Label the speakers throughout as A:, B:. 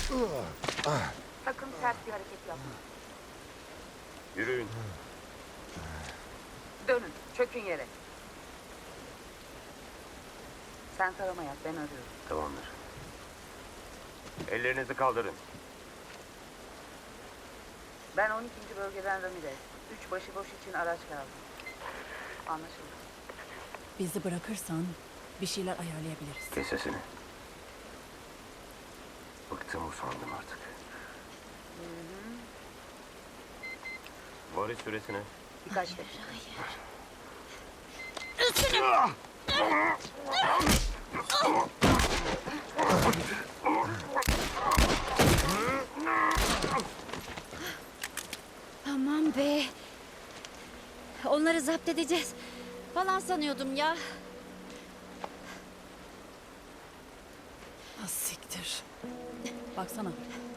A: Sakın sert bir hareket yapma.
B: Yürüyün.
A: Dönün, çökün yere. Sen tarama yap, ben arıyorum.
B: Tamamdır. Ellerinizi kaldırın.
A: Ben 12. bölgeden Ramirez. 3 başıboş için araç lazım. Anlaşıldı.
C: Bizi bırakırsan bir şeyler ayarlayabiliriz.
B: Kes sesini. Bıktım, usandım artık. Varış süresine.
A: Birkaç dakika.
D: Aman be. Onları zapt edeceğiz falan sanıyordum ya.
C: Ah, siktir. Baksana.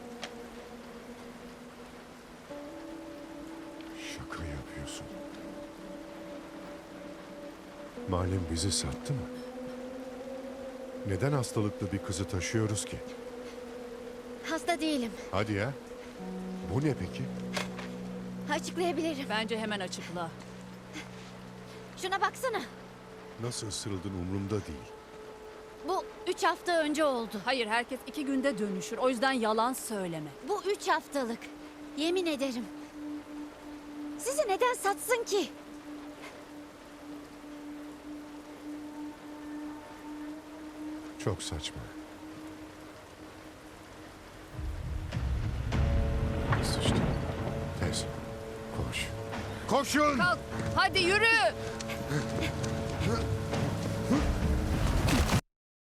E: Şaka yapıyorsun. Malem bizi sattı mı? Neden hastalıklı bir kızı taşıyoruz ki?
D: Hasta değilim.
E: Hadi ya. Bu ne peki?
D: Açıklayabilirim.
C: Bence hemen açıkla.
D: Şuna baksana.
E: Nasıl ısırıldın umurumda değil.
D: Bu 3 hafta önce oldu.
C: Hayır, herkes 2 günde dönüşür. O yüzden yalan söyleme.
D: Bu 3 haftalık. Yemin ederim. Sizi neden satsın ki?
E: Çok saçma. Sıçtı. Tez. Koş. Koşun!
C: Kalk, hadi yürü.